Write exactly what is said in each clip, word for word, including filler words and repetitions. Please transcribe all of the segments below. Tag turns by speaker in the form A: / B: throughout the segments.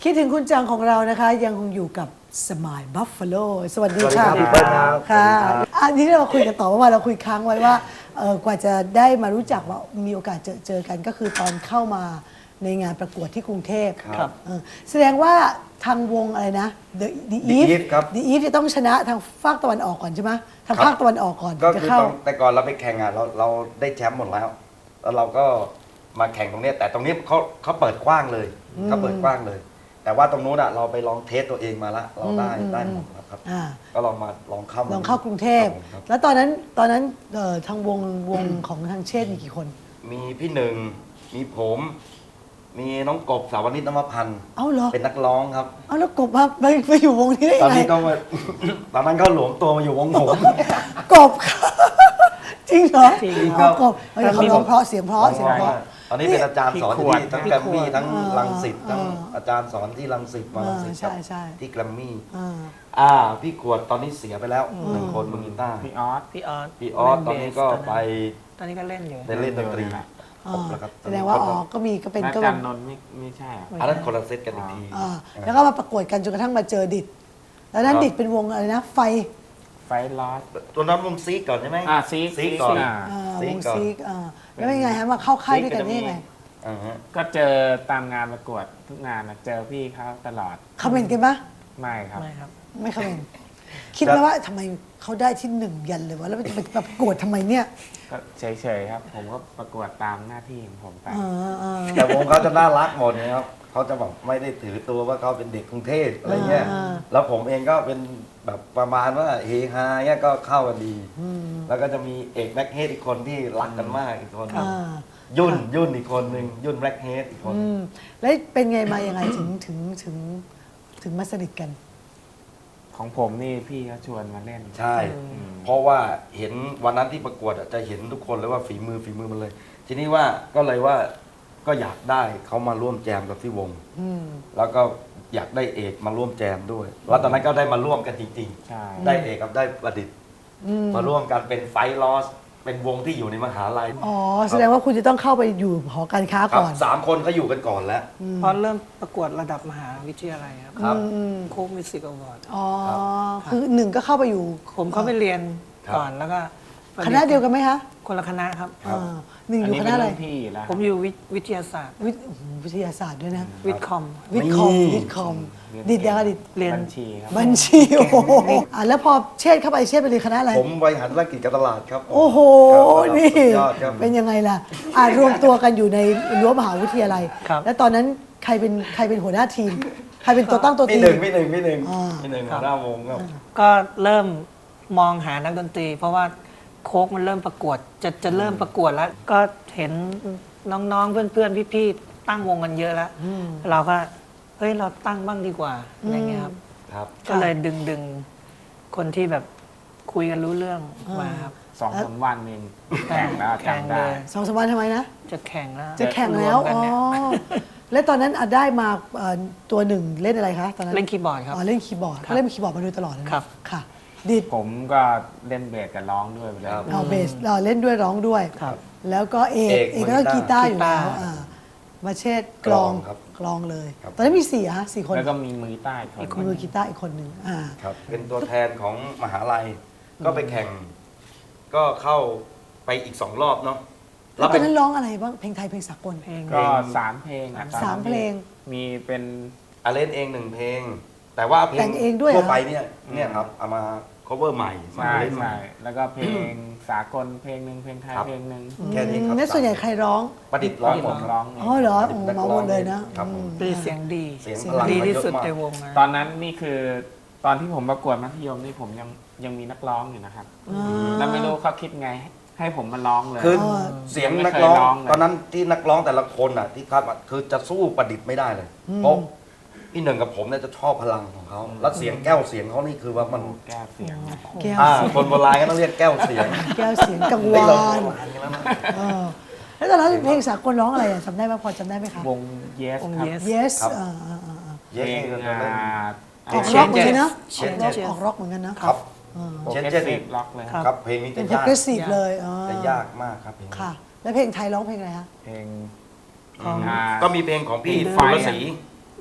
A: คิดถึงคุณจังของเรานะคะยังคงอยู่กับสมายบัฟฟาโลสวัสดีค่ะ
B: สวัสดีครับ
A: ค่ะอันนี้เราคุยกันต่อเมื่อวานเราคุยค้างไว้ว่าเอ่อกว่าจะได้มารู้จักว่ามีโอกาสเจอเจอกันก็คือตอนเข้ามาในงานประกวดที่กรุงเทพ
B: ครับ
A: เออแสดงว่าทางวงอะไรนะ The The
B: The
A: Eve
B: Eve ครับ
A: The Eve จะต้องชนะทางภาคตะวันออกก่อนใช่ไหมทาง
B: ครับ
A: ภาคตะวันออกก่อน
B: ก็
A: จะ
B: คือ
A: เข้า
B: ตอนแต่ก่อนเราไปแข่งอ่ะเราเราได้แชมป์หมดแล้ว แล้วเราก็มาแข่งตรงเนี้ยแต่ตรงนี้เขาเขาเปิดกว้างเลยเขาเปิดกว้างเลย แต่ว่าตรงนู้นอ่ะเราไปลองเทสตัวเองมาละเราได้
A: อืม
B: ได้หมดแล้วครับ
A: อ่า
B: ก็ลองมาลองเข้ามา
A: ลองเข้ากรุงเทพ
B: ครับผมครับ
A: แล้วตอนนั้นตอนนั้นเอ่อทางวงวงของทางเชษฐ์มีกี่คน
B: มีพี่หนึ่งมีผม มีน้องกบสาวนิตนวพันธ์
A: เอ้าเหรอ
B: เป็นนักร้องครับ
A: เอาแล้วกบมาไปไปอยู่วงนี้ได้
B: ตอน
A: ยังไง
B: นี้ก็มา ตอนนั้นเขาหลวมตัวมาอยู่วงผม
A: กบ จริงเหรอ
B: จริงครับ
A: เอากบเฮ้ยเขาร้องเพราะเสียงเพราะเสียงเพราะ
B: ตอนนี้เป็นอาจารย์สอนอยู่ที่ทั้ง
C: พี่
B: แกร
C: ขวด
B: มมี่ทั้ง
A: พี่ขวด
B: รังสิตทั้ง
A: อ่า
B: อาจารย์สอนที่รังสิตมารังสิต
A: อ่าใช่
B: กับ
A: ใช่
B: ที่แกรมมี่
A: อ่า
B: อ่าพี่ขวดตอนนี้เสียไปแล้วหนึ่งคนมือกีตาร์
C: พี่ออส
D: พี่ออส
B: พี่ออสตอนนี้ก็ไป
D: ตอนนี้ก็เล่นอยู่
B: ได้เล่นดนตรี
C: เล่นอยู่นะ
A: อ่า
B: ครบแล้วครับ
A: แสดงว่าอ๋อก็มีก็เป็น
C: อา
A: ก็
C: จา
A: เป็
C: ร
A: น
C: ย์นนท์ไม่ไม่ใช่อะ
B: อันนั้นคนละเซตกันอีกที
A: อ่าแล้วก็มาประกวดกันจนกระทั่งมาเจอดิดแล้วนั้น
B: ครับ
A: ดิดเป็นวงอะไรนะ ไฟ
C: ไฟลอส
B: ตัวนั้นวงซีกก่อนใช่ไหม
C: อ่าซีก
B: ซีกก่อน
C: ซีกอ่า
A: อ่า
B: ซี
A: ว
B: ก
A: ง
B: ก่อน
A: ซีกอ่าแล้วเป็นไงฮะมาเข้าค่ายด้วยกันได้ยังไง
B: อ่าฮะ
C: ก็เจอตามงานประกวดทุกงานนะเจอพี่เขาตลอด
A: คอมเมนต์กันปะ
C: ไม่ครับ
D: ไม่ครับ
A: ไม่คอมเมนต์คิดไหมว่าทำไมเขาได้ที่หนึ่งยันเลยวะแล้วมันจะไปประกวดทำไมเนี่ย
C: ก็เฉยๆครับ ผมก็ประกวดตามหน้าที่ของผมไป
A: เออเออ
B: แต่วงเขาจะน่ารักหมดนะครับเขาจะแบบไม่ได้ถือตัวว่าเขาเป็นเด็กกรุงเทพอะไรเงี้ย
A: อ่า
B: แล้วผมเองก็เป็นแบบประมาณว่าเฮฮาเงี้ยก็เข้ากันดี แล้วก็จะมีเอกแบ็คเฮดอีกคนที่รักกันมากอีกคน
A: อ่า
B: ยุ่นยุ่นอีกคนหนึ่งยุ่นแบล็คเฮดอีกคน
A: อืมแล้วเป็นไงมายังไงถึงถึงถึงถึงมาสนิทกัน
C: ของผมนี่พี่เขาชวนมาเล่น
B: ใช่ เพราะว่าเห็นวันนั้นที่ประกวดอะจะเห็นทุกคนเลยว่าฝีมือฝีมือมันเลย ทีนี้ว่าก็เลยว่าก็อยากได้เขามาร่วมแจมกับที่วง
A: อืม
B: แล้วก็อยากได้เอกมาร่วมแจมด้วย แล้วตอนนั้นก็ได้มาร่วมกันจริง
C: ใช่
B: ๆ ได้เอกกับได้ประดิษฐ์
A: อืม
B: มาร่วมกันเป็นไฟลอสเป็นวงที่อยู่ในมหาลัย
A: อ๋อแสดงว่าคุณจะต้องเข้าไปอยู่หอการค้า
B: ครับ
A: ก่อน
B: สามคนเขาอยู่กันก่อนแล้ว
D: เพราะเริ่มประกวดระดับมหาวิทยาลัยครับ
B: ครับ
D: โค้กมิวสิกอวอร์ด
A: อ๋อคือหนึ่งก็เข้าไปอยู่
D: ผมเข้าไปเรียน
B: ครับ
D: ก่อนแล้วก็
A: คณะเดียวกันไหมคะ
D: คนละคณะครับ
B: ครับ
A: อ่าหนึ่งอ
C: อัน
A: ยู่
C: นี้
A: ค
C: เป็
A: ณะ
C: น
A: อะไร
C: รุ่นพี่อยู่แล้ว
D: ผมอยู่วิวิทยาศาสตร์
A: วิทย์โอ้โหวิทยาศาสตร์ด้วยนะ
D: วิทย์คอม
A: วิทย์คอม
B: นี่
A: วิทย์คอมดิดยังไงดิด
D: เรียน
C: บัญชีครับ
A: บัญชีโอ้โหอ่ะแล้วพอเชษฐ์เข้าไปเชษฐ์ไปเรียนคณะอะไร
B: ผมบริหารธุรกิจการตลาดครับ
A: โอ้โห
B: ครับ
A: นี่
B: สุดยอดครับ
A: เป็นยังไงล่ะอ่ะรวมตัวกันอยู่ในรั้วมหาวิทยาลัย
D: ครับ
A: แล้วตอนนั้นใครเป็นใครเป็นหัวหน้าทีม ใครเป็นตัวตั้งตัว
B: พี่
A: ตี
B: หนึ่งพี่หนึ่งพี่หนึ่ง
A: อ่า
B: พี่หนึ่งหัวหน้าวงครับ
D: ก็เริ่มมองหานักดนตรี เพราะว่าโค้กมันเริ่มประกวด จะจะเริ่มประกวดแล้ว ก็เห็นน้องๆ เพื่อนๆ พี่ๆ ตั้งวงกันเยอะแล้ว เราก็เฮ้ยเราตั้งบ้างดีกว่าอะไรเงี้ยครับ
B: ครับ
D: ก็เลยดึงดึงคนที่แบบคุยกันรู้เรื่องมาครับ
C: สองสามวันเองแข่งแล้ว
D: แข่ง
C: จำ
D: เล
C: ได้
D: ย
A: สองสามวันทำไมนะ
D: จะแข่งแล้ว
A: จะแข่งแล้ว
D: รมกัน
A: อ๋อ
D: เนี่ย
A: แล้วตอนนั้นอ่ะได้มาเอ่อตัวหนึ่งเล่นอะไรคะตอนนั้น
D: เล่นคีย์บอร์ดครับ
A: อ๋อเล่นคีย์บอร์ด
D: ครับ
A: เขาเล่นคีย์บอร์ดมาโดยตลอดเลยนะครับ ค่ะดิด
C: ผมก็เล่นเบสกับร้องด้วยไปเลย
B: ครับ
A: เอาเบสเราเล่นด้วยร้องด้วย
D: ครับ
A: แล้วก็เอก
B: เอก
A: เอกก็กีตาร์อยู่แล้ว
D: กีตาร์
A: อ่ามาเชษฐ์กลอง
B: กลองครับ
A: กลองเลย
B: ครับ
A: ตอนนั้นมีสี่ฮะสี่คน
C: แล้วก็มีมือใต้คน
A: มีมือกีตาร์อีกคนหนึ่งอ่า
B: ครับ เป็นตัวแทนของมหาลัย ก็ไปแข่ง ก็เข้าไปอีกสองรอบเนาะ
A: แล้วต
B: เป็
A: อนนั้นร้องอะไรบ้างเพลงไทยเพลงสากล
D: เพลง
C: ก็สามเพลงอะตอนนั้น
A: สามเพลง
C: มีเป็น
B: อาเล่นเองหนึ่งเพลง แต่ว่าเพล
A: แต่งเองด้วยเหรอ
B: ทั่วไปเนี่ยเนี่ยครับเอามา cover ใหม่มา
C: ใช่
B: เล่นใหม่
C: ใช่แล้วก็เพลงสากลเพลงหนึ่งเพลงไทย
B: ครับ
C: เพลงหนึ่ง
B: แค่นี้ครับ
A: นั่นส่วนใหญ่ใครร้อง
B: ประดิษฐ์ร้องหมด
C: ร้องเง
A: อ๋อเหรอ
B: ประ
A: โอ้
B: ดิษฐ์นัก
A: มา
B: ร้
A: ห
B: อ
A: ม
B: ง
A: ดเลยนะ
B: ครับผม
D: ดีเสียงดี
B: เสียง
D: เสียง
B: พลัง
D: ดี
B: มาเยอะ
D: ที่สุด
B: มาก
D: ในวงนะ
C: ตอนนั้นนี่คือตอนที่ผมประกวดมัธยมนี่ผมยังยังมีนักร้องอยู่นะครับ แล้วไม่รู้เขาคิดไงให้ผมมาร้องเลย
B: คือ
A: อ๋อ
B: เสียงนักร้อง
C: ไม่เคยร้องเลย
B: ตอนนั้นที่นักร้องแต่ละคนอ่ะที่คัดมาคือจะสู้ประดิษฐ์ไม่ได้เลย เพราะพี่หนึ่งกับผมเนี่ยจะชอบพลังของเขาแล้วเสียงแก้วเสียงเขานี่คือว่ามัน
C: แก้เสียง
A: แก้ว
B: อ่า
A: เสียง
B: คนโบราณก็ต้องเรียกแก้วเสียง
A: แก้วเสียงกัง
B: เฮ้ยว
A: า
B: เรา
A: น
B: โบราณกันแล้วนะ
A: เออแล้วตอนนั้นเพลงสากลร้องอะไรอ่ะจำได้ไหมพอจำได้ไหมคะ
C: วง yes
D: วง
C: ครับ
D: yes
A: yes
B: ครับ
A: อ่าอ่าอ่าอ่า
B: เย้
C: เพลง
B: ก็
C: อ่า
B: เล่น
A: ออกร็อกเหมือนกันนะ
B: เช่น
A: ออกร็อกออกร็อกเหมือนกันนะ
B: ครับ
C: โปร
B: เช่น
C: เก
B: เช่
C: ส
B: น
C: ซีฟล็อกเลยครับ
B: ครับเพลงนี้
A: เป็
B: จะ
A: น
B: ยาก
A: progressive เลยอ๋อ
B: จะยากมากครับเพลงนี้
A: ค่ะ แล้วเพลงไทยร้องเพลงอะไรคะ
C: เพลง
D: ของ
C: อ่า
B: ก็มีเพลงของพี่
C: เพลง
B: สุร
C: ไฟ
B: ศรี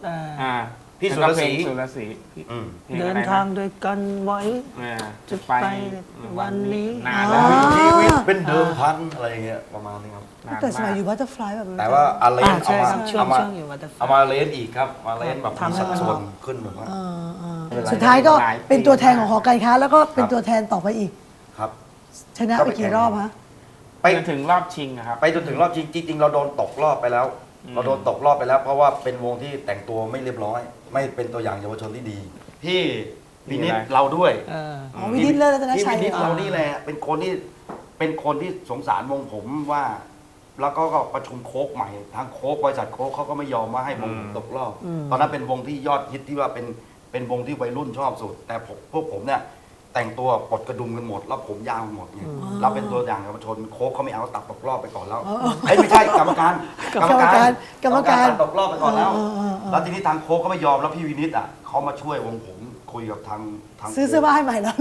D: อ่า
C: อ่า
B: พี่สุรศรี
C: แล้วก็เพลงสุรศรีพี่
B: อืม
C: พลง
D: เดิ
C: อะ
D: น
C: ไระ
D: ทางด้วยกันไว้
C: อ่า
D: จะไปวันนี้
C: นานแล้ว
B: ชีวิตเป็นเดิมพันอะไรอย่างเงี้ยประมาณนี้ครับ
C: นาน
A: แต่สมัย
C: มาก
A: อยู่บัตเตอร์ฟลายแบบ
B: แต่ว่าอาเลน
D: อ่า
B: เอา
D: ใช่
B: มา
D: ครับช่วง
B: เอามา
D: ช่วงอยู่วัตเตอร์
B: เอามาเลนอีกครับมาเลนแบบมี
D: ทำให้
B: สัดส่วนขึ้นแบบว่า
A: เออเออ
B: ไม่เป็นไร
A: สุดท้ายก็
C: หลายปี
A: เป็นตัวแทนของหอการค้า แล้วก็เป็น
B: ครับ
A: ตัวแทนต่อไปอีก
B: ครับ
A: ชนะ
B: ก็
A: ไป
B: ไป
A: กี่
B: แข่ง
A: รอบฮะ
B: ไป
C: จนถึงรอบชิงอะครับ
B: ไปจนถึงรอบจริงจริงๆเราโดนตกรอบไปแล้ว
C: อืม
B: เราโดนตกรอบไปแล้ว เพราะว่าเป็นวงที่แต่งตัวไม่เรียบร้อย ไม่เป็นตัวอย่างเยาวชนที่ดี พี่วินิตเราด้วย
D: เออ
A: อ๋อวินิตเลิศรัตนชัย
B: พี่วินิต
A: เหรอ
B: เรานี่แหละเป็นคนที่เป็นคนที่สงสารวงผมว่า แล้วก็ก็ประชุมโค้กใหม่ทางโค้กบริษัทโค้กเขาก็ไม่ยอมว่าให้วงผมตกรอบ ตอนนั้นเป็นวงที่ยอดฮิตที่ว่าเป็นเป็นวงที่วัยรุ่นชอบสุด แต่ผมพวกผมเนี่ยแต่งตัวปลดกระดุมกันหมด แล้วผมยาวหมดไงเราเป็นตัวอย่างเยาวชนโค้กเขาไม่เอาตัดตกรอบไปก่อนแล้วเอ้ยไม่ใช่กรรมการ
A: กรรมการกรรมการ
B: ตัดตกรอบไปก่อนแล้ว
A: เออเออเออ
B: แล้วทีนี้ทางโค้กก็ไม่ยอมแล้วพี่วินิตอ่ะเขามาช่วยวงผมคุยกับทางทาง
A: ซื้อเสื้อผ้าให้ใหม่แล้ว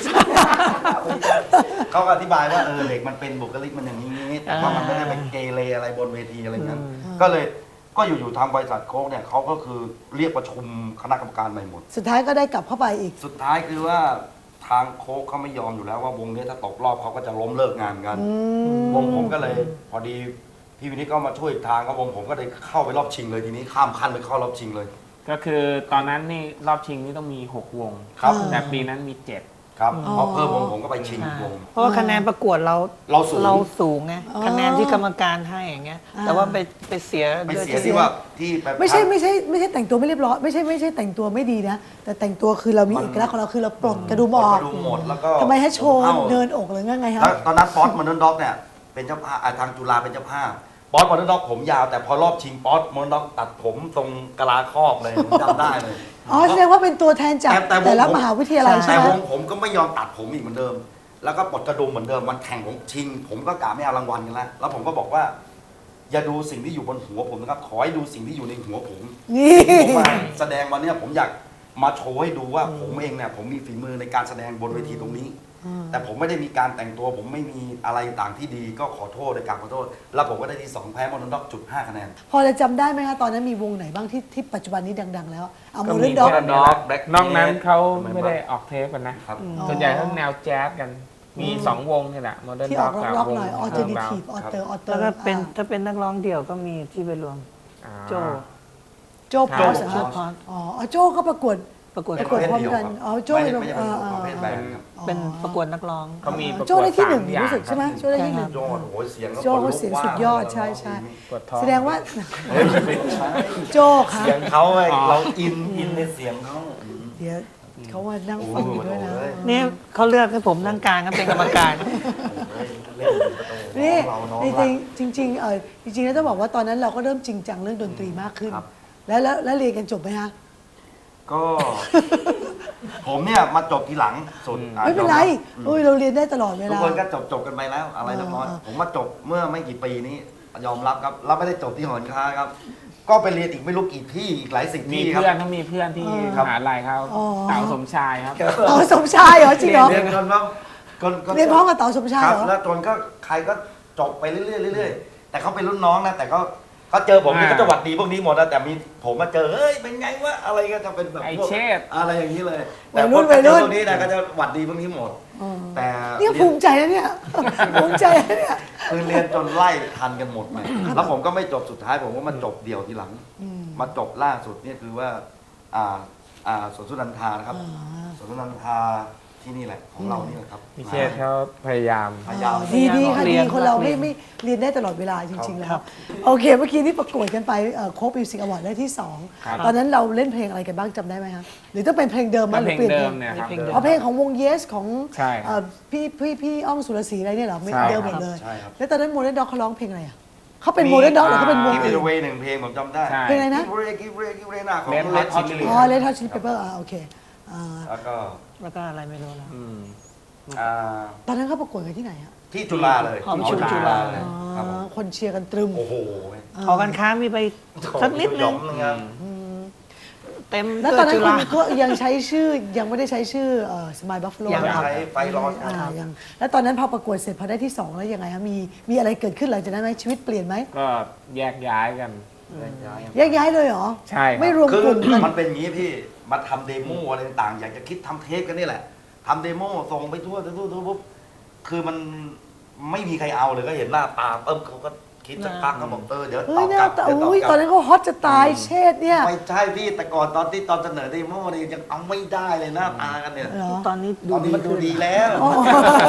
B: เขาก็อธิบายว่าเออเด็กมันเป็นบุคลิกมันอย่างนี้แต่ว่ามันไม่ได้ไปเกเรอะไรบนเวทีอะไรเงี้ยก็เลยก็อยู่ๆทางบริษัทโค้กเนี่ยเขาก็คือเรียกประชุมคณะกรรมการใหม่หมด
A: สุดท้ายก็ได้กลับเข้าไปอีก
B: สุดท้ายคือว่าทางโค้กเขาไม่ยอมอยู่แล้วว่าวงนี้ถ้าตกรอบเขาก็จะล้มเลิกงานกัน วงผมก็เลยพอดีพี่วินิตก็มาช่วยอีกทางก็วงผมก็เลยเข้าไปรอบชิงเลยทีนี้ข้ามขั้นไปเข้ารอบชิงเลย
C: ก็คือตอนนั้นนี่รอบชิงนี่ต้องมีหกวง
B: ครับ
C: แต่ปีนั้นมีเจ็ด
B: ครับ
A: อ๋อ
B: พอเพิ่มวงผมก็ไปชิงอีกวง
D: เพราะว่าคะแนนประกวดเรา
B: เราสูง
D: เราสูงไง
A: อ๋อ
D: คะแนนที่กรรมการให้อย่างเงี้ย
A: อ่า
D: แต่ว่าไปไปเสีย
B: ไป
D: ด้วย
B: เสียที่ว่าที่แบบ
A: ไม่ใช่ไม่ใช่ไม่ใช่แต่งตัวไม่เรียบร้อยไม่ใช่ไม่ใช่แต่งตัวไม่ดีนะ แต่แต่งตัวคือเรามีเอกลักษณ์ของเราคือเราปลดกระดุมออก
B: กระดุมหมดแล้วก็
A: ทำไมให้โชว์
B: อ้า
A: เดินอกหรือไงฮะ
B: แล้วตอนนั้นป๊อตมอนเดนด็อกเนี่ยเป็นเจ้าภาพอ่าทางจุฬาเป็นเจ้าภาพป๊อตมอนเดนด็อกผมยาวแต่พอรอบชิงป๊อตมอนเดนด็อกตัดผมตรงกะลาครอบเลยผมจำได้เลย
A: อ๋อแสดงว่าเป็นตัวแทนจาก
B: แต่แต่วง
A: แต่ละ
B: ผม
A: มหาวิทยาลัยใช่
B: แต่
A: ไหม
B: วงผมก็ไม่ยอมตัดผมอีกเหมือนเดิม แล้วก็ปลดกระดุมเหมือนเดิมวันแข่งผมชิง ผมก็กะไม่เอารางวัลกันแล้วแล้วผมก็บอกว่า อย่าดูสิ่งที่อยู่บนหัวผมนะครับขอให้ดูสิ่งที่อยู่ในหัวผม
A: นี่
B: ผมมาแสดงวันเนี้ยผมอยากมาโชว์ให้ดูว่าผมเองเนี่ยผมมีฝีมือในการแสดงบนเวทีตรงนี้ แต่ผมไม่ได้มีการแต่งตัว ผมไม่มีอะไรต่างที่ดีก็ขอโทษในการขอโทษ แล้วผมก็ได้ที่สองแพ้มอนด็อกจุดห้าคะแนน
A: พอจะจำได้ไหมคะตอนนั้นมีวงไหนบ้างที่ที่ปัจจุบันนี้ดัง ๆ แล้วเอา
C: ก็
A: โม
C: มี
A: เดิร์นด็อก
B: Modern Dog Black
C: นอกนั้น
B: Cat
C: เขาไม่ได้ออกเทปกันนะ
B: ครับ
C: ส่วนใหญ่ทั้งแนวแจ๊สกัน มีสองวงนี่แหละโมเดิร์น
A: ที่อ
C: ด็
A: อ
C: อก กกับ
A: ร็อก
C: ว
A: ๆ
C: ง
A: หน่อยออเทอร์เนทีฟออเตอร์ออเตอ
D: แล้ว
A: ร์
D: ก็เป็นถ้าเป็นนักร้องเดี่ยวก็มีที่ไปรวมโจ
A: โจ้พอส
D: โจพอส
A: อ๋ออ๋อโจ้ก็ประกวด
D: ประกวด
A: ประกวดพร้อมกันอ๋อโจ้
B: ไม่
A: เป็น
B: ไม่ใช่
A: อ่า
B: ประเภทแบนด์ครับ
D: เป็นประกวดนักร้อง
C: เขามีประกวด
A: โจ้ได้ที่หนึ่ง
C: สามอย่าง
A: รู้สึกใช่ไหม
C: ครับ
A: โจ้ได้ที่หนึ่ง
B: โจ้โอ้โหเสียง
A: โจ้เขาเสียงสุดยอดใช่ใช่
C: กดท้อง
A: แสดงว่า
B: เฮ้ยไม่ใช่
A: โจ้ค่ะ
B: เสียงเขาไงเราอินอินในเสียงเขา
A: เดี๋ยวเขามานั่งฟังอยู่ด้วยนะ
B: โอ้โห
D: นี่เขาเลือกให้ผมนั่งกลางก็เป็นกรรมการ
B: เล่นประตู
A: นี่
B: เราน้อง
A: จ
B: รั
A: ริ
B: ก
A: งๆจริงๆเออจริงๆแล้วต้องบอกว่าตอนนั้นเราก็เริ่มจริงจังเรื่องดนตรีมากขึ้น
B: ครับ
A: แล้วแล้วแล้วเรียนกันจบไหมฮะ
B: ก็ ผมเนี่ยมาจบทีหลังสุดอ่ะ
A: ไม่เป็นไร
B: ยอมบ
A: โอ้ยเราเรียนได้ตลอดเว
B: ทุก
A: ลา
B: คนก็จบจบกันไปแล้ว อะไรเรียบร้อย
A: เออ
B: ผมมาจบเมื่อไม่กี่ปีนี้ยอมรับครับแล้วไม่ได้จบที่หอการค้าครับ ก็ไปเรียนอีกไม่รู้กี่ที่อีกหลายสิบ
C: มี
B: ที่ครับ
C: เพื่อนเขามีเพื่อนที่
B: ครับ
C: มหาลัยเขา
A: อ๋อ
C: เต่าสมชายครับ
A: เต๋าสมชายเหรอจริงเหรอ
B: เรียนจนว่าคนก็
A: เรียนพร้อมกับเต๋าสมชาย
B: ครับ
A: เหรอ
B: แล้วจนก็ใครก็จบไปเรื่อยๆเรื่อยๆแต่เขาเป็นรุ่นน้องนะแต่ก็เขาเจอผมนี่
C: อ่า
B: ก็จะหวัดดีพวกนี้หมดนะแต่มีผมมาเจอเฮ้ยเป็นไงวะอะไรก็จะเป็นแบบ
C: ไอ้
B: พวก
C: เชษ
B: อะไรอย่างนี้เลย
A: วั
B: แต่
A: ย
B: พ
A: รุ่
B: วน ก
A: วัยรุ่น
B: พวกนี้นะก็จะหวัดดีพวกนี้หมด
A: อ๋อ
B: แต่
A: เนี่ยภูมิใจนะเนี่ย ภูมิใจนะเนี่ย
B: คือเรียนจนไล่ทันกันหมดไปแล้วผมก็ไม่จบสุดท้ายผมก็มาจบเดี่ยวทีหลัง มาจบล่าสุดเนี่ยคือว่าอ่าอ่าสวนสุนันทานะครับ
A: อ่า
B: สวนสุนันทาที่นี่แหละของเรานี่แหละครับ
C: พี่เชษเขาพยายาม
B: พยายาม
A: ดีดีค่ะ
D: เรี
A: ดี
D: ยน
A: คนเรา
D: เรี
A: ไม่
D: ยน
A: ไม่เรียนได้ตลอดเวลาจริง ๆ แล้
D: ครั
A: ว
D: บ
A: โอเคเมื่อกี้นี่ประกวดกันไปโค้กมิวสิกอวอร์ดได้ที่สอง
C: ครับ
A: ตอนนั้นเราเล่นเพลงอะไรกันบ้างจำได้ไหมคะหรือต้องเป็นเพลงเดิมไหม
C: ก็
A: ห
C: เพ
A: รื
C: ล
A: อง เปลี่ยน
C: เดิ
A: เพล
C: ม
A: ง
C: เนี่ยครับ
D: เพลงเดิม
A: อ๋อเพลงของวง Yes ของ
C: ใช่ครับ
A: เอ่อพี่พี่พี่อ้อมสุรศรีอะไรเนี่ยเหรอไม่
C: ใช่
A: เดิมหมดเลย
B: ใช่ครับ
A: แล้วตอนนั้นโมเดิร์นด็อกเขาร้องเพลงอะไรอ่ะเขาเป็นโมเดิร์นด็อกหรือเขาเป็นวง
B: กิฟ
A: อื่
B: ต์
A: น
B: เวย์หนึ่งเพลงผมจำได้
C: ใช่
A: เพลงอะไรนะ
B: กิฟต์เวย์กิฟต์เวย์กิฟต์เวย์หน้าของ
C: Red Hot
B: Hot
C: Chili
A: อ๋อ Red Hot Chili Pepper อ่าโอเคอ่า
B: แล้วก็
D: แล้วก็อะไรไม่รู้แล้ว
C: อืม
B: อ่า
A: ตอนนั้นเขาประกวดกันที่ไหนอ่ะ
B: ที่จุฬาเลย
D: หอประชุมจุฬา
B: เลยครับผม
A: อ๋อคนเชียร์กันตรึม
B: โอ้โห
D: หอการค้ามีไปสักนิดนึง
B: ครับ
D: เต็ม
A: แล้ว
D: ตั
A: ตอ
D: วน
A: นั้น
D: จุ
A: คุ
D: ฬา
A: ณก็ยังใช้ชื่อยังไม่ได้ใช้ชื่อสมายบัฟฟ a โล
D: ยังครับ
B: ใช้ไฟร้อน
A: อ่ายังแล้วตอนนั้นพอประกวดเสร็จพอได้ที่สองแล้วยังไงคะมีมีอะไรเกิดขึ้นหลังจากนั้นไหมชีวิตเปลี่ยนไหม
C: ก็แยกย้ายกัน
B: แยกย้ายกัน
A: แยกย้ายเลยเหรอ
C: ใช่ครับ
A: ไม่รวม
B: คือก
A: ลุ่มกัน
B: มันเป็นอย่างนี้พี่มาทำเดโมอะไรต่างๆอยากจะคิดทำเทปกันนี่แหละทำเดโมส่งไปทั่วทั่วทั่วปุ๊บคือมันไม่มีใครเอาเลยก็เห็นหน้าตาเอิ่มเขาก็คิดสักพักเขาบอกเออเดี๋ยวต
A: เฮ้
B: อย บ
A: หน้าก
B: ลับ
A: ตา
B: เดี๋ยวตอบ
A: อุ้ย
B: กลั
A: ตอบ นนั้นเขาฮอตจะตายเชษเนี่ย
B: ไม่ใช่พี่แต่ก่อนตอนที่ตอนเสนอเดโมเนี่ยยังเอาไม่ได้เลยหน้าตากันเนี่ย
A: เหรอ
D: ตอนนี้
B: ตอนนี้มันดูดีแล้ว
A: อ๋อ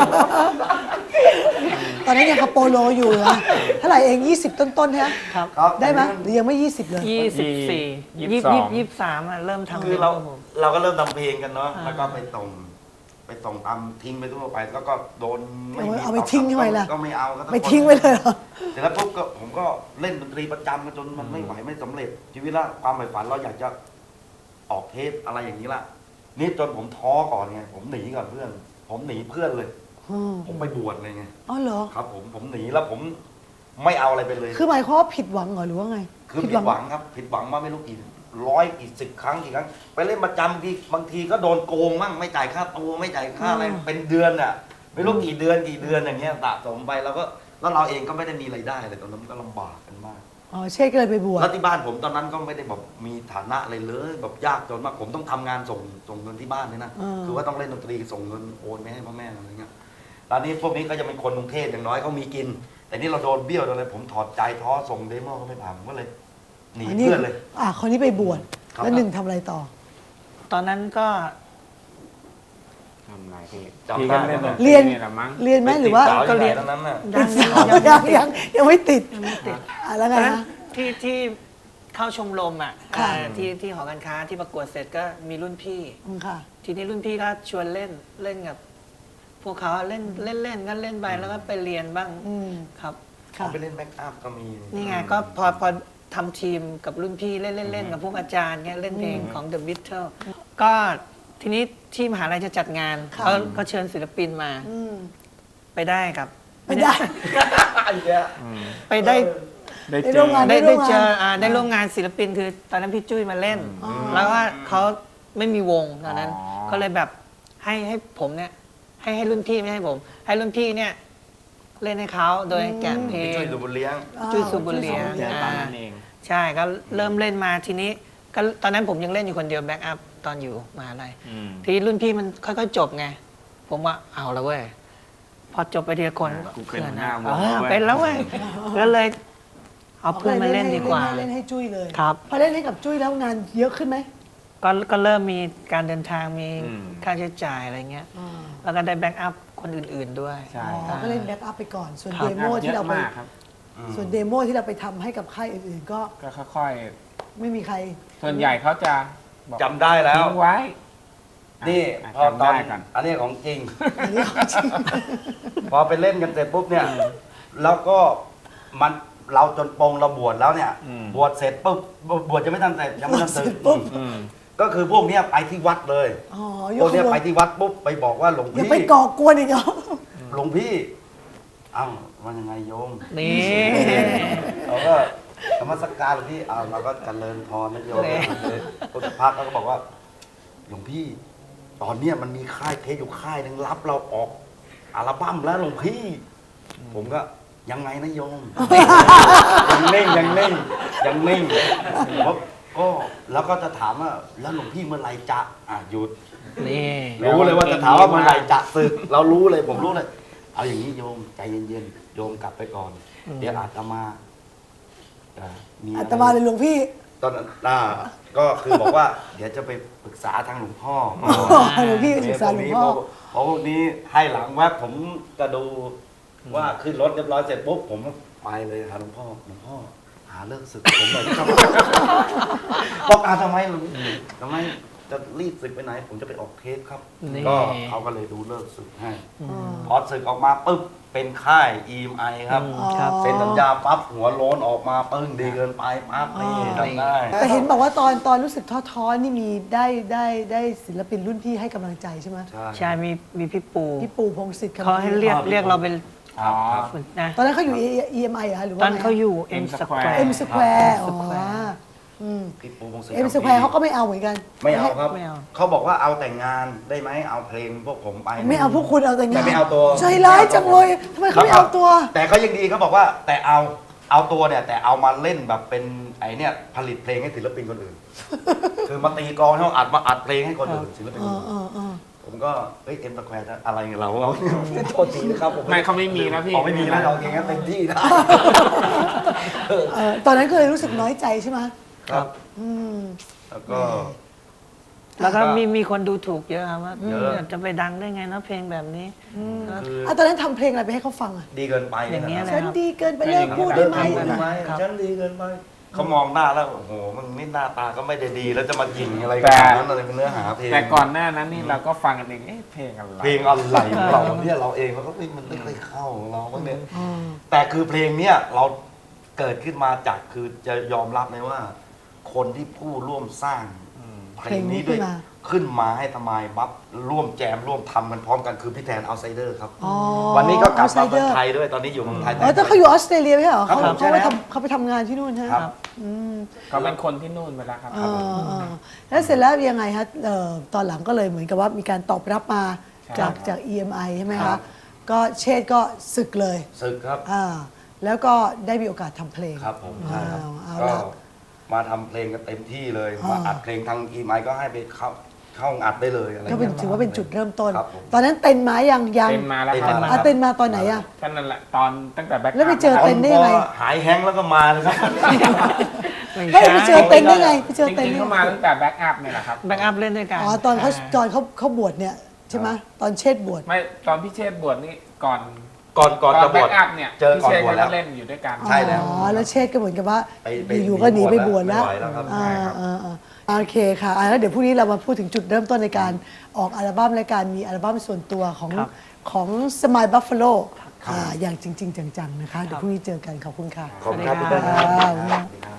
A: ตอนนั้นยังคาโปโลอยู่เหรอเท่าไหร่เองยี่สิบต้นๆใช่ไหม
D: ครับ
B: ครับ
A: ได้ไหมหรือยังไม่ยี่สิบเลย
D: ยี่สิบสี่
C: ยี่
D: ยี่
C: สิ
D: สิ
C: บบ สอง
D: ยี่สิบสามอ่ะเริ่มทำ
B: คือเรา
D: ครับผม
B: เราก็เริ่มทำเพลงกันเนาะ
D: อ่า
B: แล้วก็ไปส่งไปส่งตามทิ้งไปทั่วไป แล้วก็โดนไม่มี
A: เอาไปทิ้งทำไมล่ะ
B: ก็ไม่เอาก็ต้อง
A: ไม่ทิ้งไว้เลยเหรอ
B: เสร็จแล้วปุ๊บก็ผมก็เล่นดนตรีประจำมาจนมันไม่ไหวไม่สำเร็จชีวิตละความใฝ่ฝันเราอยากจะออกเทปอะไรอย่างนี้ละนี่จนผมท้อก่อนไงผมหนีก่อนเพื่อน ผมหนีเพื่อนเลย
A: อืม
B: ผมไปบวชเลยไง
A: อ๋อเหรอ
B: ครับ ผมผมหนีแล้วผมไม่เอาอะไรไปเลย
A: คือหมายความว่าผิดหวังเหรอหรือว่าไง
B: คือผิดหวังครับ ผิดหวังมาไม่รู้กี่ร้อยกี่สิบครั้งกี่ครั้งไปเล่นประจำบางทีบางทีก็โดนโกงมั่งไม่จ่ายค่าตัวไม่จ่ายค่าอะไร
A: อืม
B: เป็นเดือนอ่ะไม่รู้กี่เดือนกี่เดือนอย่างเงี้ยสะสมไปแล้วก็แล้วเราเองก็ไม่ได้มีรายได้เลยตอนนั้นก็ลำบากกันมาก
A: อ๋อเชษก็เลยไปบวช
B: แล้วที่บ้านผมตอนนั้นก็ไม่ได้แบบมีฐานะอะไรเลยแบบยากจนมากผมต้องทำงานส่งส่งเงินที่บ้านด้วยนะ
A: อ่า
B: คือว่าต้องเล่นดนตรีส่งเงินโอนไปให้พ่อแม่อะไรเงี้ยตอนนี้พวกนี้ก็จะเป็นคนกรุงเทพอย่างน้อยเขามีกิน แต่นี่เราโดนเบี้ยวโดนอะไรผมถอดใจท้อส่งเดโมก็ไม่ผ่านผมก็เลยหนี
A: อันนี้
B: เพื่อนเลย
A: อ่ะคนนี้ไปบวช
B: ครับ
A: แล้วหนึ่งทำอะไรต่อ
D: ตอนนั้นก็
C: ทำไรพี่
B: จำ
C: พี่
B: ได้
C: ก็เล่นดนต
A: เรียน
C: นี่แหละมั้ง
A: เรียนไหมหรือว่า
B: ก็เรียนตอนนั้นน่ะ
D: ยัง
A: ยั
D: ยัง ง
A: ยังยังยังไม่ติด
D: ยังไม่ติด
A: อ่ะแล้ว
D: ต
A: ไง
D: อนนั้น
A: นะ
D: ที่ที่เข้าชมรมอ่ะ
A: ค่ะ
D: เอ่อที่ที่หอการค้าที่ประกวดเสร็จก็มีรุ่นพี่
A: อืมค่ะ
D: ทีนี้รุ่นพี่ก็ชวนเล่นเล่นกับ พวกเขาเล่นเล่นเล่นก็เล่นไปแล้วก็ไปเรียนบ้าง
A: อืม
D: ครับ
A: ค่ะ
B: เขาไปเล่นแบ็กอัพก็มี
D: นี่ไงก็พอพอทำทีมกับรุ่นพี่เล่นเล่นเล่นกับพวกอาจารย์เงี้ยเล่นเพลงของ The Beatles ก็ทีนี้ที่มหาลัยจะจัดงาน
A: ค่ะ
D: เขาเขาเชิญศิลปินมา
A: อืม
D: ไปได้ครับ
A: ไม่ได้
B: ไอ้เงี้ย
D: ไปได้
C: ได้
A: ได้
C: เจ
A: ร่ว
C: อ
A: มงาน
D: ได้
A: ร่
D: ได้
A: วมงาน
D: เจออ่าได้ร่วมงานศิลปินคือตอนนั้นพี่จุ้ยมาเล่น
A: อ๋อ
D: แล้วว่าเขาไม่มีวงตอนนั้น
C: อ๋อ
D: ก็เลยแบบให้ให้ผมเนี่ยให้ให้รุ่นพี่ไม่ให้ผม ให้รุ่นพี่เนี่ยเล่นให้เขาโดยแกะเพล
B: ไป
D: ง
B: ช่วยดูบุญเลี้ยง
D: จุ้ยสุบุญเลี้ยง
C: เจอตอนนั้นเอง
D: ใช่ก็เริ่มเล่นมาทีนี้ก็ตอนนั้นผมยังเล่นอยู่คนเดียวแบ็กอัพตอนอยู่มหาลัย
C: อืม
D: ทีนี้รุ่นพี่มันค่อยๆจบไง ผมว่าเอาแล้วเว้ย พอจบไปทีละคน
C: อ่ะกูเป็น
D: พื่อ
C: หัวหน้าวง
D: เออ
C: เว้ย
D: เป็นแล้วเว้ย ก็เลย เอาเพื่อนมาเล่นดีกว่า
A: เล่นให้จุ้ยเลย
D: ครับ
A: พอเล่นให้กับจุ้ยแล้วงานเยอะขึ้นไหม
D: ก็ก็เริ่มมีการเดินทางมี
C: อืม
D: ค่าใช้จ่ายอะไรเงี้ย
A: อ่า
D: แล้วก็ได้แบ็กอัพคนอื่นๆด้วย
C: ใช่
A: อ๋อก็เล่นแบ็กอัพไปก่อน ส่วน
D: ครับ
A: เดโมที่เรา
C: เยอะ
A: ไป
C: มากครับ
A: ส่วนเดโมที่เราไปทำให้กับค่ายอื่นๆ ก็
C: ก็ค่อย
A: ไม่มีใคร
C: ๆ ส่วนใหญ่เขาจะบอก
B: จำได้แล้ว
C: ทิ้งไว้
B: นี่
C: อ่ะ
B: พอ
C: จำ
B: ตอน
C: ได้กัน
B: อันนี้ของจริง
A: อันนี้ของจริง
B: พอไปเล่นกันเสร็จปุ๊บเนี่ย แล้วก็มันเราจนปรงเราบวชแล้วเนี่ย
C: อืม
B: บวชเสร็จปุ๊บบวชจะไม่ทันเสร็จยังไม่ทัน
A: บวชเสร็
B: สึ
A: จ
B: ก
A: ปุ๊บ
C: อืม
B: ก็คือพวกเนี้ยไปที่วัดเลย
A: อ๋อ
B: พ
A: ย
B: ว
A: ก
B: ก
A: ข
B: เนี้ย
A: บว
B: ไป
A: น
B: ที่วัดปุ๊บไปบอกว่าหลวง
A: อย่า
B: พี่
A: ไปก่อกวนอีกเหรอ
B: หลวงพี่เอ้าว่ายังไงโยม
D: นี่
B: เราก็ธรรมสกการหลวงพี่อ้าวเราก็เจริญพรนะโยมพุทธพักเขาก็บอกว่า หลวงพี่ ตอนเนี้ยมันมีค่ายเทปอยู่ค่ายหนึงรับเราออกอัลบั้มแล้วหลวงพี่ ผมก็ยังไงนะโยม ยังนิ่งยังนิ่งยังนิ่งเพราะก็แล้วก็จะถามว่าแล้วหลวงพี่เมื่อไหรจะอ่ะหยุด
D: นี่
B: รู้เลยว่าจะถามว่าเมื่อไหรจะศึก เรารู้เลยผมรู้เลย เอาอย่างนี้โยมใจเย็นๆโยมกลับไปก่อน เดี๋ยวอาตมาจะมีะไร
A: อาตมาเลยหลวงพี่
B: ตอนนั้นอ่าก็คือบอกว่า เดี๋ยวจะไปปรึกษาทางหลวงพ่อ
A: หลวงพี่ไปศึกษาหลวงพ่อ
B: เพราะพวกนี้ให้หลังแวบผมก็ดูว่าขึ้นรถเรียบร้อยเสร็จปุ๊บผมไปเลยหาหลวงพ่อหลวงพ่อ หาเลิกศึกผมเลยครับ บอกอาทำไมหลวงทำไมจะรีบศึกไปไหน ผมจะไปออกเทปครับ
D: นี่
B: ก็เขาก็เลยดูเลิกศึกให้
A: อืม
B: พอศึกออกมาปุ๊บเป็นค่าย อี เอ็ม ไอ ครับ
D: อืมครับ
A: อ๋อ
B: เซ็นสัญญาปั๊บหัวโล้นออกมาปึ้งดีเกินไปปั๊บนี่ทำได้
A: แต่เห็นบอกว่าตอนตอนรู้สึกท้อๆนี่มีได้ได้ได้ศิลปินรุ่นพี่ให้กำลังใจใช่ไหม
B: ใช่
D: ใช่มีมีพี่ปู
A: พี่ปู่พงศิษฐ์คำ
D: เขาให้เรียก
B: ครับ
D: เรียกเราเป็น
C: อ๋อ
D: นะ
A: ตอนนั้นเขาอยู่ อี เอ็ม ไอ เหรอหรือ
D: ต
A: ว่า
D: อนเขาอยู่
C: M
D: M
C: Square
D: Square
A: M Square อ๋อ
D: Square
A: อืม
B: พี่ปูพงศิษฐ์
A: เอ็มสแควร์เขาก็ไม่เอาเหมือนกัน
B: ไม่เอาครับ
D: ไม่เอา
B: เขาบอกว่าเอาแต่งงานได้ไหมเอาเพลงพวกผมไป
A: ไม่เอาพวกคุณเอาแต่งาน
B: แต่ไม่เอาตัว
A: ใจร้ายจังเลยทำไมเขาไม่เอาตัว
B: แต่เขายังดีเขาบอกว่าแต่เอาเอาตัวเนี่ยแต่เอามาเล่นแบบเป็นไอเนี่ยผลิตเพลงให้ศิลปินคนอื่น คือมาตีกลองให้เขาอัดมาอัดเพลงให้คนอื่นศิลปิน
A: เอ
B: คน
A: อ
B: อื่น
A: เออเออ
B: ผมก็เอ้ยเอ็มตะแควร์อะไรเงี้ยเราเราโทษทีนะครับผม
C: ไม่เขาไม่มีนะพี่
B: อ๋อไม่มีนะเราเองก็เต็มที่นะ
A: เออตอนนั้นก็เลยรู้สึกน้อยใจใช่ไหม
B: ครับ
A: อืม
B: แล้วก็
D: แล้วก็
B: ก็
D: มีมีคนดูถูกเยอะครับว่า
B: เยอะ
D: จะไปดังได้ไงนะเพลงแบบนี้ครับ
B: คือ
A: อ่ะตอนนั้นทำเพลงอะไรไปให้เขาฟังอ่ะ
B: ดีเกินไป
D: อย่างเงี้ย
B: นะ
D: เลย
A: ฉันดีเกินไปเลิกพูดได้ไหม
B: เกินไปฉันดีเกินไปเขามองหน้าแล้วโอ้โหมึงนี่หน้าตาก็ไม่ได้ดีแล้วจะมายิงอะไรขนาดนั้นอะไรเป็นเนื้อหาเพลง
C: แต่ก่อนหน้านั้นนี่เราก็ฟังกันเองเอ๊ะเพลงอะไร
B: เพลงอะไรของเราเนี่ยเราเองเราก็เอ้ยมันไม่ค่อยเข้าของเราบ้างเนี่ยแต่คือเพลงเนี้ยเราเกิดขึ้นมาจากคือจะยอมรับเลยว่า คนที่ผู้ร่วมสร้างเพลงนี้ด้วย
A: เพลงนี้ขึ้นมา
B: ขึ้นมาให้ทำไมบัฟร่วมแจมร่วมทำกันพร้อมกันคือพี่แทนเอาไซเดอร์ครับ
A: อ๋อ
B: วันนี้ก็กลับมา
A: Outsider
B: เมืองไทยด้วยตอนนี้อยู่เมืองไทย
A: อ๋อแต่เขาอยู่ออสเตรเลียไม่ใช่เหรอ
B: ครับ
A: เขา
B: ผม
A: เขา
B: ใช่
A: ไป
B: แล้ว
A: ทำเขาไปทำงานที่นู่นใช่ไหม
B: ครับ
A: อืม
C: เขาเป็นคนที่นู่นไปแล้วครับ
A: เออเออแล้วเสร็จแล้วยังไงฮะเอ่อตอนหลังก็เลยเหมือนกับว่ามีการตอบรับมา
C: ใช่
A: จาก
C: ครับ
A: จาก อี เอ็ม ไอ ใช่ไหม
B: ครั
A: คะ
B: บ
A: ก็เชษฐ์ก็ศึกเลย
B: ศึกครับ
A: อ่าแล้วก็ได้มีโอกาสทำเพลง
B: ครับผมใช่ครับ
A: เอา
B: ก็
A: ละ
B: มาทำเพลงกันเต็มที่เลย
A: อ่าม
B: มาอัดเพลงทางอีไมก็ให้ไปเข้าเข้าอัดได้เลยอะไร
A: ก็เป็น
B: งี้ย
A: ถือว่าเป็นจุดเริ่มต้น
B: ครับผม
A: ตอนนั้นเต้นมายังยัง
C: เต็มมาแล้ว
B: เต็ม
C: ครับ
B: มา
A: อ่ะเต้นมาตอนไหนอ่ะ
C: ก็นั่นแหละตอนตั้งแต่แบ็ค
A: แล้วไปเจอ
C: อัพ
A: เต้นได้ยังไง
B: พอหายแฮงก์แล้วก็มาเลยครับ
A: เฮ้ยไปเจอเต้นได้ไงไปเจอ
C: จ
A: เต้น
C: ริงๆ
A: ได้
C: เข้า
A: ไง
C: มาตั้งแต่แบ็คอัพเนี่ยแหละครับ
D: แบ็กอัพเล่นด้วยกัน
A: อ๋อตอนเขาตอนเขาเขาบวชเนี่ยใช่ไหมตอนเชษฐ์บวช
C: ไม่ตอนพี่เชษฐ์บวชนี่ก่อน
B: ก่อนก่อนจะบ
C: แบ็
B: วช
C: คอัพเนี่ย
B: เจอ
C: พี่
B: ก่อน
C: เชษฐ์
B: บวช
C: ก็
B: แล้ว
C: เล่นอยู่ด้วยกัน
B: ใช่แล้ว
A: อ๋อแล้วเชษฐ์ก็เหมือนกับว่า
B: ไปไป
A: อยู่ๆก็หนีไปบวชแล้ว
B: ไม่ไหวแล้วครับ
A: อ่า
C: ใช่ครับ
A: อ่าอ่าโอเคค่ะอ่ะแล้วเดี๋ยวพรุ่งนี้เรามาพูดถึงจุดเริ่มต้นในการออกอัลบั้มและการมีอัลบั้มส่วนตัวของ
D: ครับ
A: ของสมายบัฟฟาโลอย่างจริง ๆ จังๆนะคะเดี๋ยวพรุ่งนี้เจอกันขอบคุณค่ะ
B: ขอบคุณครับ
D: สวัสดีครับ
B: พี่เต้นครับ